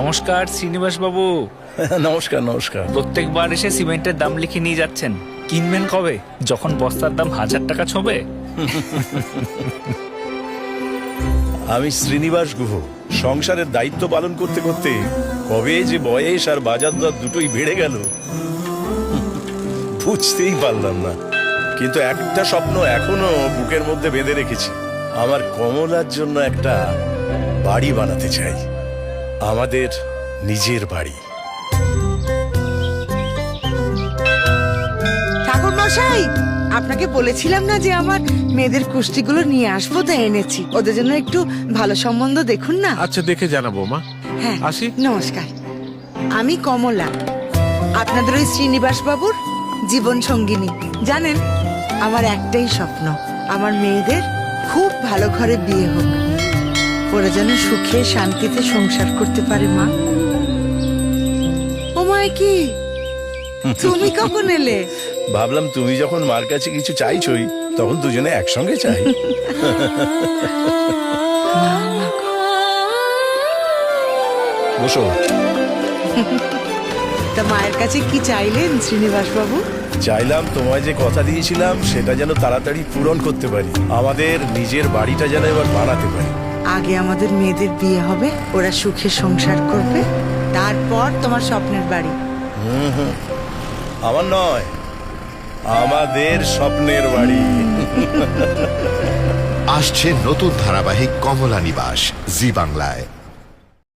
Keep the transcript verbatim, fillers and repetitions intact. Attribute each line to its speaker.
Speaker 1: নমস্কার শ্রীনিবাস বাবু।
Speaker 2: নমস্কার নমস্কার।
Speaker 1: প্রত্যেকবার এসে সিমেন্টের দাম লিখে নিয়ে যাচ্ছেন, কিনবেন কবে? যখন বস্তার দাম হাজার টাকা ছোঁবে।
Speaker 2: আমি শ্রীনিবাস গুহ। সংসারের দায়িত্ব পালন করতে করতে কবে যে বয়স আর বাজার দর দুটোই বেড়ে গেল বুঝতেই পারলাম না। কিন্তু একটা স্বপ্ন এখনো বুকের মধ্যে বেঁধে রেখেছি। আমার কমলার জন্য একটা বাড়ি বানাতে চাই, আমাদের নিজের বাড়ি।
Speaker 3: ঠাকুর মশাই, আপনাকে বলেছিলাম না যে আমার মেয়েদের কুষ্টিগুলো নিয়ে আসবো, তো এনেছি। ওদের জন্য একটু ভালো সম্বন্ধ দেখুন না।
Speaker 4: আচ্ছা, দেখে জানাবো মা।
Speaker 3: হ্যাঁ,
Speaker 4: আসি।
Speaker 3: নমস্কার। আমি কমলা, আপনাদের ওই শ্রীনিবাস বাবুর জীবন সঙ্গিনী। জানেন, আমার একটাই স্বপ্ন, আমার মেয়েদের খুব ভালো ঘরে বিয়ে হোক, ওরা যেন সুখে শান্তিতে সংসার করতে পারে। মা, ও মা, কি তুমি কখন এলে?
Speaker 2: ভাবলাম তুমি যখন মার কাছে কিছু চাইছই, তখন দুজনে একসঙ্গে চাই। বসো।
Speaker 3: তা মায়ের কাছে কি চাইলেন শ্রীনিবাস বাবু?
Speaker 2: চাইলাম তোমায় যে কথা দিয়েছিলাম সেটা যেন তাড়াতাড়ি পূরণ করতে পারি, আমাদের নিজের বাড়িটা যেন এবার বানাতে পারি।
Speaker 3: আগে আমাদের মেয়েদের বিয়ে হবে, ওরা সুখে সংসার করবে, তারপর তোমার স্বপ্নের বাড়ি।
Speaker 2: হুম হুম, আমার নয়, আমাদের স্বপ্নের বাড়ি।
Speaker 5: আসছে নতুন ধারাবাহিক কমলা নিবাস জি বাংলায়।